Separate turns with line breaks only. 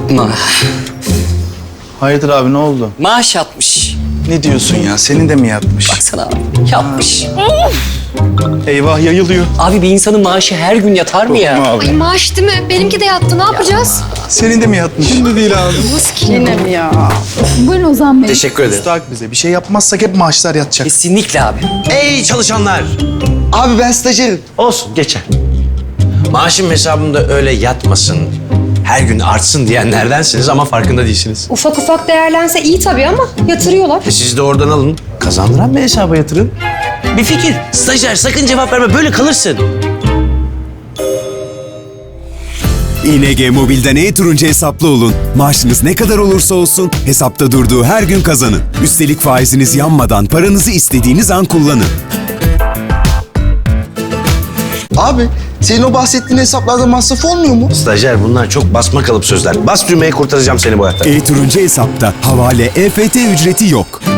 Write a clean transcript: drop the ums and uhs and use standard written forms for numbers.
Yapma.
Hayırdır abi, ne oldu?
Maaş yatmış.
Ne diyorsun ya? Senin de mi yatmış?
Baksana abi. Yapmış.
Eyvah, yayılıyor.
Abi bir insanın maaşı her gün yatar mı ya?
Abi.
Ay maaş değil mi? Benimki de yattı. Ne yapacağız?
Senin de mi yatmış? Şimdi değil abi.
Nasıl ki?
Yine mi ya? Buyurun Ozan Bey.
Teşekkür ederim.
Müstahak bize. Bir şey yapmazsak hep maaşlar yatacak.
Kesinlikle abi.
Ey çalışanlar!
Abi ben stajyerim.
Olsun, geçer. Maaşım hesabımda öyle yatmasın, her gün artsın diyenlerdensiniz ama farkında değilsiniz.
Ufak ufak değerlense iyi tabii ama yatırıyorlar.
Siz de oradan alın, kazandıran bir hesaba yatırın. Bir fikir, stajyer sakın cevap verme, böyle kalırsın.
ING Mobil'den e-Turuncu hesaplı olun. Maaşınız ne kadar olursa olsun hesapta durduğu her gün kazanın. Üstelik faiziniz yanmadan paranızı istediğiniz an kullanın.
Abi senin o bahsettiğin hesaplarda masraf olmuyor mu?
Stajyer, bunlar çok basma kalıp sözler. Bas düğmeye, kurtaracağım seni bu hayattan.
E-Turuncu hesapta havale, EFT ücreti yok.